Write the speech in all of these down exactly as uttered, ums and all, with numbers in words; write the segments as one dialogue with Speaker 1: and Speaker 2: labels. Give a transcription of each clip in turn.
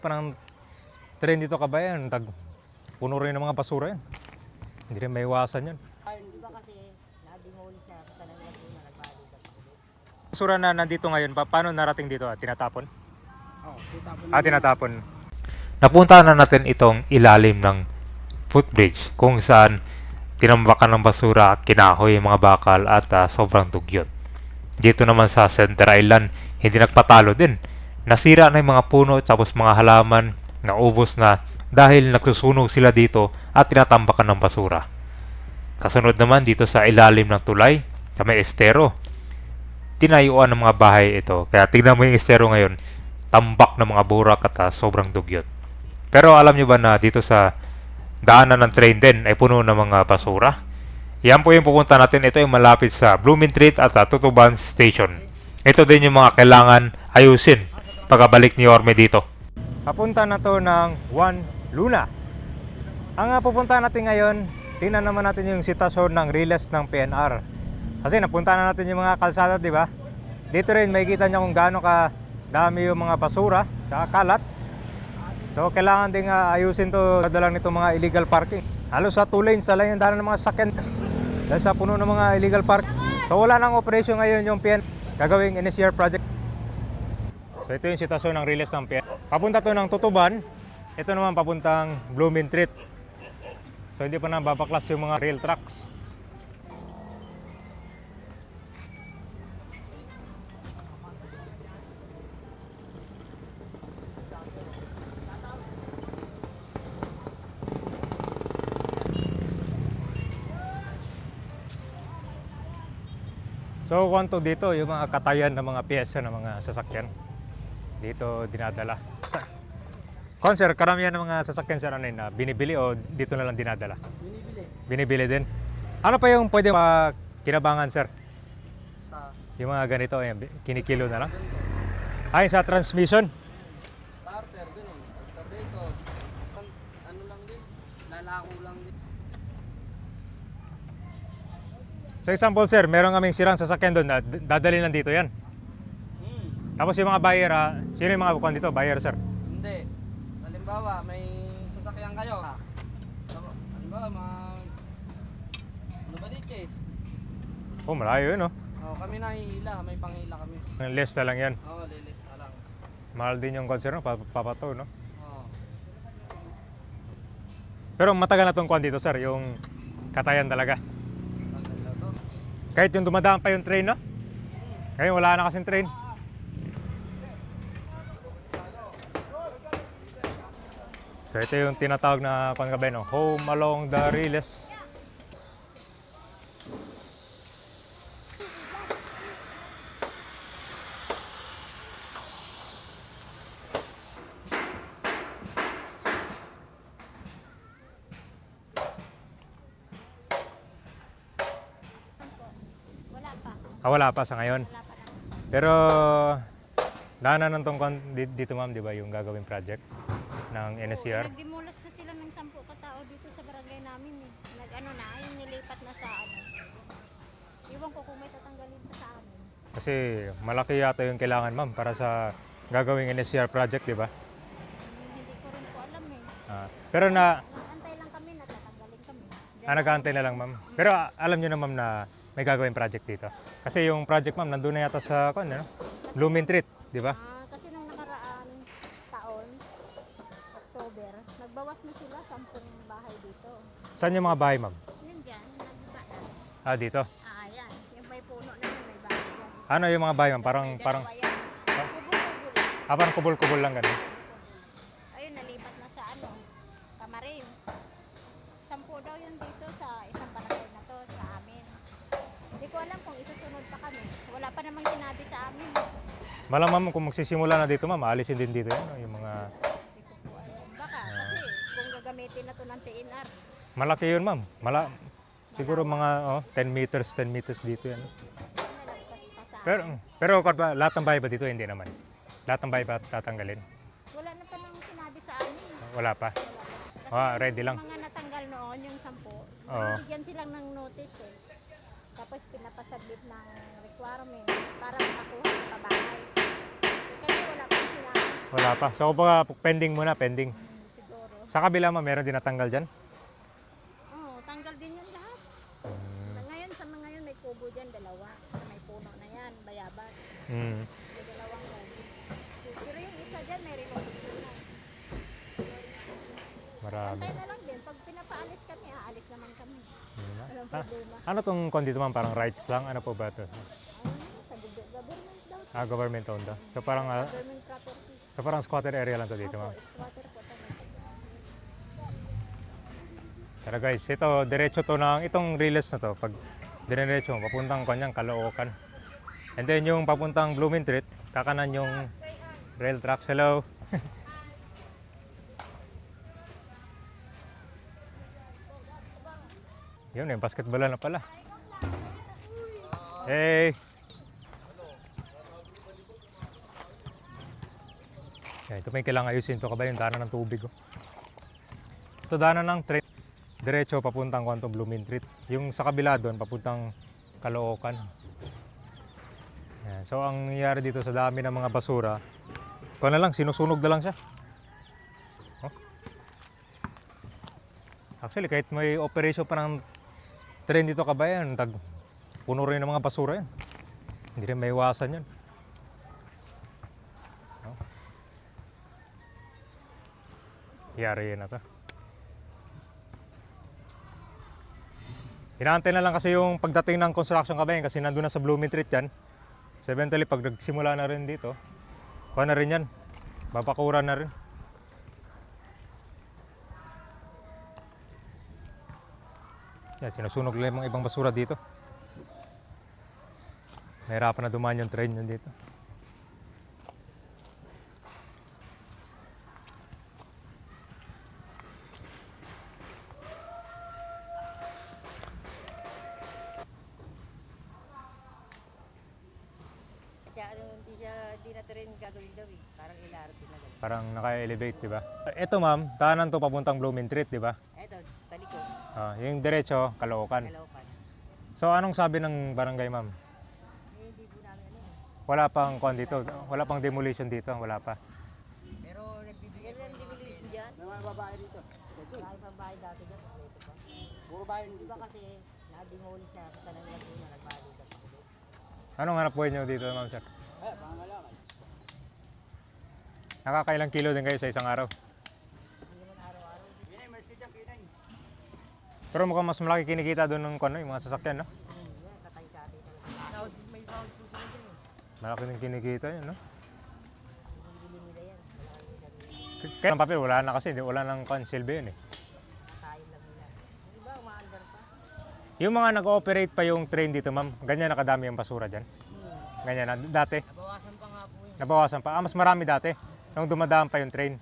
Speaker 1: Parang trend dito kabayan, tag puno rin ng mga basura yan. Hindi rin may iwasan yun.
Speaker 2: Di ba kasi nadiholis na sa nang Laguna nagbalik sa
Speaker 1: Basura na nandito ngayon, pa paano narating dito? Ah? Tinatapon?
Speaker 2: Oh, tinatapon.
Speaker 1: Ah, tinatapon. Napunta na natin itong ilalim ng footbridge kung saan tinambakan ng basura, kinahoy yung mga bakal at uh, sobrang dugyot. Dito naman sa Center Island, hindi nagpatalo din. Nasira na yung mga puno tapos mga halaman, naubos na dahil nagsusunog sila dito at tinatambakan ng basura. Kasunod naman dito sa ilalim ng tulay, sa may estero. Tinayuan ng mga bahay ito. Kaya tignan mo yung estero ngayon, tambak ng mga burak at uh, sobrang dugyot. Pero alam nyo ba na dito sa daanan ng train din ay puno ng mga basura? Yan po yung pupunta natin. Ito yung malapit sa Blooming Street at uh, Tutuban Station. Ito din yung mga kailangan ayusin pagkabalik ni Orme dito. Papunta na to ng Juan Luna. Ang uh, pupunta natin ngayon, tingnan naman natin yung sitasyon ng Riles ng P N R. Kasi napunta na natin yung mga kalsada, di ba? Dito rin makikita nyo kung gaano ka dami yung mga basura sa kalat. So kailangan ding uh, ayusin to dala nito mga illegal parking. Halos sa two lanes na lang yung dala ng mga sakyan dahil sa puno ng mga illegal park. So wala nang operasyon ngayon yung P N gagawing N S C R project. So ito yung sitasyon ng Riles ng P N. Papunta to ng Tutuban. Ito naman papuntang Blooming Street. So hindi pa na babaklas yung mga rail tracks. So kwanto dito yung mga katayan ng mga piyesa ng mga sasakyan. Dito dinadala. Sa Kon sir, karamihan ng mga sasakyan sir ano yun, na binibili o dito na lang dinadala?
Speaker 2: Binibili.
Speaker 1: Binibili din. Ano pa yung pwede pa kinabangan sir?
Speaker 2: Sa
Speaker 1: Yung mga ganito, ayan, kinikilo na lang. Ay, sa transmission.
Speaker 2: starter, ganun. Alternator. Ano lang din. Lalako lang din.
Speaker 1: So example sir, meron kaming sirang sasakyan doon na dadali lang dito yan.
Speaker 2: Hmm.
Speaker 1: Tapos yung mga buyer, ha, sino yung mga bukuan dito? Buyer sir?
Speaker 2: Hindi. Halimbawa, may sasakyan kayo. Ah. Halimbawa, mga... Ano ba dito eh?
Speaker 1: Oh, malayo yun oh.
Speaker 2: Oh, kami nahihila. May panghila kami.
Speaker 1: Less na lang yan.
Speaker 2: Oo, oh, lilis na lang.
Speaker 1: Mahal din yung concern, no? Papato, no?
Speaker 2: Oo.
Speaker 1: Pero matagal na tong kwan dito sir, yung katayan talaga.
Speaker 2: Maganda to.
Speaker 1: Kahit yung dumadaan pa yung train, no? Ngayon wala na kasing train. So ito yung tinatawag na kwan gabi, no? Home along the Riles.
Speaker 3: Wala pa.
Speaker 1: Ah, wala pa sa ngayon.
Speaker 3: Wala pa lang.
Speaker 1: Pero daanan ng tong kwan di- dito ma'am, di ba, yung gagawing project ng N S C R?
Speaker 3: Oo, nagdimulas na sila ng sampu katao dito sa barangay namin eh. Nag-ano na, yung nilipat na sa ano. Iwan ko kung may tatanggalin pa sa amin.
Speaker 1: Kasi malaki yata yung kailangan ma'am para sa gagawing N S C R project, di ba?
Speaker 3: Hmm, hindi ko rin po alam eh.
Speaker 1: Ah, pero na
Speaker 3: Nag-antay lang kami na tatanggalin kami.
Speaker 1: ah, nag-aantay na lang ma'am. Pero ah, alam niyo na ma'am na may gagawing project dito. Kasi yung project ma'am nandun na yata sa kung ano, Blooming Street, di ba?
Speaker 3: Ah, kasi nung nakaraan taon, October, nagbawas na sila sampung bahay dito.
Speaker 1: Saan yung mga bahay ma'am?
Speaker 3: Yun dyan, nagbaba na.
Speaker 1: Ah, dito.
Speaker 3: Ah, yan. Yung may puno na yun, may bahay dyan.
Speaker 1: Ano yung mga bahay ma'am? Parang
Speaker 3: May
Speaker 1: parang
Speaker 3: dalawa yan. Kubol-kubol.
Speaker 1: ah, parang kubol-kubol lang ganun.
Speaker 3: Ayun, nalipat na sa ano, Kamarin. Sampu daw yun dito sa isang barangay na to, sa amin. Hindi ko alam kung isusunod pa kami. Wala pa namang sinabi sa amin.
Speaker 1: Malamang kung magsisimula na dito ma'am, aalisin din dito yan, no? Yung mga
Speaker 3: Hindi ko po alam. Baka, kasi kung gagamitin na to ng T N R,
Speaker 1: malaki yun ma'am. Mala siguro mga oh, ten meters, ten meters dito yan.
Speaker 3: nalagpas pa sa
Speaker 1: Pero pero kung ba, lahat ng bahay ba dito hindi naman. Lahat ng bahay ba tatanggalin?
Speaker 3: Wala na pa nang sinabi sa amin.
Speaker 1: Wala pa.
Speaker 3: Kasi
Speaker 1: Ah, ready lang.
Speaker 3: yung mga natanggal noon, yung sampu,
Speaker 1: Oo.
Speaker 3: bigyan silang ng notice eh. Tapos pinapasabit ng requirement para makakuha ng pabahay. Eh, kasi wala pang sinabi.
Speaker 1: Wala pa. So, kumbaga, pending muna, pending.
Speaker 3: Hmm, siguro.
Speaker 1: Sa kabila mo, meron din natanggal dyan?
Speaker 3: Oo, tanggal din yan lahat. Na ngayon, sa mga ngayon, may kubo dyan, dalawa. Sa may puno na yan, bayabas.
Speaker 1: Hmm.
Speaker 3: May dalawang kubo. Pero yung isa dyan, may remote na.
Speaker 1: Marami.
Speaker 3: Pantay na lang din. Pag pinapaalis kami, aalis naman kami.
Speaker 1: Yun na.
Speaker 3: Walang
Speaker 1: Ah,
Speaker 3: problema.
Speaker 1: ano tong kon dito ma'am? Parang rights lang? Ano po ba ito?
Speaker 3: Ano, sa gubo- government daw.
Speaker 1: Ah, government owned daw. So parang, ah,
Speaker 3: Government property.
Speaker 1: so parang squatter area lang to dito
Speaker 3: Opo,
Speaker 1: ma'am.
Speaker 3: squatter po talaga.
Speaker 1: Tara guys, ito, diretso to ng, itong riles na to, pag diretso, papuntang kanyang Caloocan. And then yung papuntang Blooming Street, kakanan yung rail tracks. Hello. Yun, yung basketball na pala. Hey! Yan, ito may kailangan ayusin ito kabay yung daanan ng tubig. Oh. Ito daanan ng train. Diretso papuntang Kwanto Blooming Street. Yung sa kabila doon, papuntang Caloocan. Yan. So ang nangyayari dito sa dami ng mga basura, ito na lang, sinusunog na lang siya. Oh. Actually, kahit may operation pa ng train dito kabayan, tag, puno rin ng mga basura yan. Hindi rin may iwasan yan. Oh. Yari yan na to. Inaantay na lang kasi yung pagdating ng construction kabayan kasi nandun na sa Blooming Street yan. So eventually pag nagsimula na rin dito, kuha na rin yan. Babakura na rin. Yan, sinusunog lang yung mga ibang basura dito. Nahirapan na dumaan yung train yun dito.
Speaker 4: Siya ano, hindi siya, di na rin gagawin daw eh. Parang ilarating na gano'n.
Speaker 1: Parang naka-elevate, di ba? Ito ma'am, daanan to papuntang Blooming Street, di ba?
Speaker 4: Eto, taliko,
Speaker 1: Ah, yung diretso, Caloocan.
Speaker 4: Caloocan.
Speaker 1: So anong sabi ng barangay ma'am?
Speaker 4: Eh, hindi po namin ano eh.
Speaker 1: Wala pang kon dito, wala pang demolition dito, wala pa.
Speaker 4: Pero nagbibigay ng demolition dyan.
Speaker 2: May mga babae dito. Ito.
Speaker 4: Kahit pang bahay dati dyan, kompleto pa.
Speaker 2: Puro bahay
Speaker 4: Di
Speaker 2: dito.
Speaker 4: ba kasi, na-demolish na, tanan lang po na nagbahay dito.
Speaker 1: Anong hanap buhay nyo dito ma'am sir?
Speaker 2: Eh, pangalaman.
Speaker 1: Nakakailang kilo din kayo sa isang araw?
Speaker 4: Hindi naman araw-araw.
Speaker 2: Pinay, mercy dyan, pinay.
Speaker 1: Pero mukhang mas malaki kinikita doon ng kon, yung mga sasakyan, no?
Speaker 4: Hmm, yan, katay-katay talaga. Sound, may sound po sila dyan eh.
Speaker 1: Malaki din kinikita yun, no?
Speaker 4: Binibili nila yan. Wala kang sabi.
Speaker 1: Kaya ang papel, wala na kasi, di- wala nang kon, silbi yun eh.
Speaker 4: Katayin lang nila. Di ba, umaandar pa?
Speaker 1: Yung mga nag-ooperate pa yung train dito ma'am, ganyan nakadami yung basura dyan?
Speaker 4: Hmm.
Speaker 1: Ganyan na, dati?
Speaker 4: Nabawasan pa nga po yun.
Speaker 1: Nabawasan pa? Ah, mas marami dati, nung dumadaan pa yung train.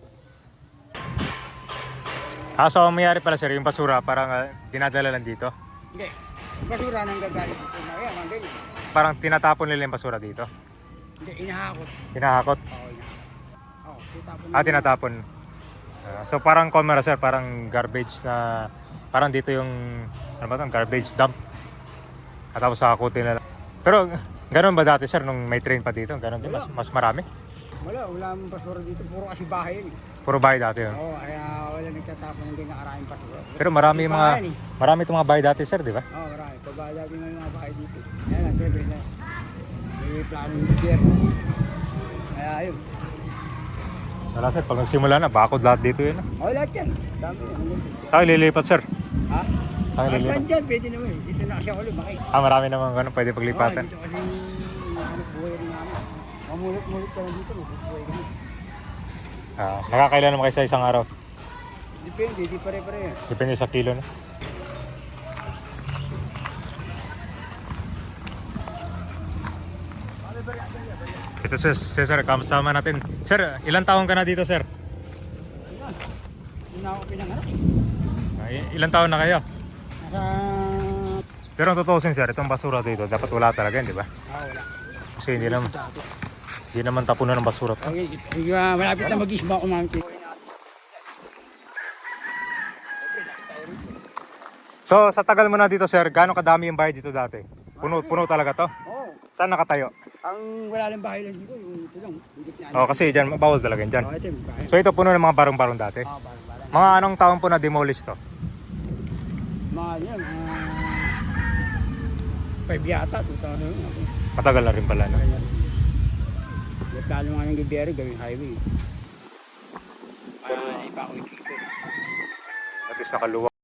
Speaker 1: Ah, so ang mayari pala sir, yung basura parang ah, dinadala lang dito?
Speaker 2: Hindi. Basura nang gagaling dito. Ayan, mga ganyan.
Speaker 1: Parang tinatapon nila yung basura dito?
Speaker 2: Hindi, inahakot.
Speaker 1: Hinahakot?
Speaker 2: Oo, inahakot. Oo, titapon.
Speaker 1: Ah, tinatapon. Ah, so parang camera sir, parang garbage na, parang dito yung, ano ba ito, garbage dump. At tapos hakutin na lang. Pero ganun ba dati sir, nung may train pa dito? Ganun din, mas, mas marami?
Speaker 2: Wala, wala mong basura dito. Puro kasi bahay yun eh.
Speaker 1: Puro bahay dati yun.
Speaker 2: Oo, kaya wala nagtatapon ng nakaraming basura.
Speaker 1: Pero marami yung mga,
Speaker 2: Bahay yan eh.
Speaker 1: marami itong mga bahay dati sir, di ba?
Speaker 2: Oo, marami. Pagbahay dati may mga bahay dito. Ayan na, siyempre na. May plano ng pier. Kaya yun.
Speaker 1: Wala sir, pag nagsimula na, bakod lahat dito yun.
Speaker 2: Oo, lahat yan. Dami yan.
Speaker 1: Tayo lilipat sir.
Speaker 2: Ha?
Speaker 1: Tayo
Speaker 2: Asan
Speaker 1: lilipat.
Speaker 2: dyan? Pwede naman eh. Dito na kasi ako lumaki.
Speaker 1: Ah, marami naman ganun, pwede paglipatan.
Speaker 2: Oo, dito kasi hinahanap buhay rin namin. Mamulot-mulot ka lang dito, mabubuhay kami.
Speaker 1: Ah, nakakailan naman kayo sa isang araw?
Speaker 2: Depende, di pare-pare yan.
Speaker 1: Depende sa kilo no? Ito sir, sir, sir, kasama natin. Sir, ilang taon ka na dito sir?
Speaker 2: Yun na ako pinanganak eh.
Speaker 1: Ah, i- ilang taon na kayo?
Speaker 2: Nasa...
Speaker 1: Pero ang totoo sir, itong basura dito, dapat wala talaga, di ba?
Speaker 2: Ah, wala.
Speaker 1: Kasi hindi naman,
Speaker 2: Dati.
Speaker 1: hindi naman tapunan ng basura to.
Speaker 2: Okay, okay, ah, malapit na mag-isba ako mga kito.
Speaker 1: So, sa tagal mo na dito sir, gaano kadami yung bahay dito dati? Puno, puno talaga to?
Speaker 2: Oo.
Speaker 1: Saan nakatayo?
Speaker 5: Ang wala lang bahay lang dito, yung ito lang, yung gitna.
Speaker 1: Oh, kasi dyan, bawal talaga yan dyan.
Speaker 5: Oh, ito yung bahay.
Speaker 1: So ito puno ng mga barong-barong dati.
Speaker 5: Ah, parang parang.
Speaker 1: Mga anong taon po na demolish to?
Speaker 5: Mga yan, mga... Five yata, two thousand.
Speaker 1: Matagal na rin pala, no?
Speaker 5: Kaya, lalo nga ng gobyerno, gawing highway. Kaya, ipa ko ito.
Speaker 1: At least nakaluwag.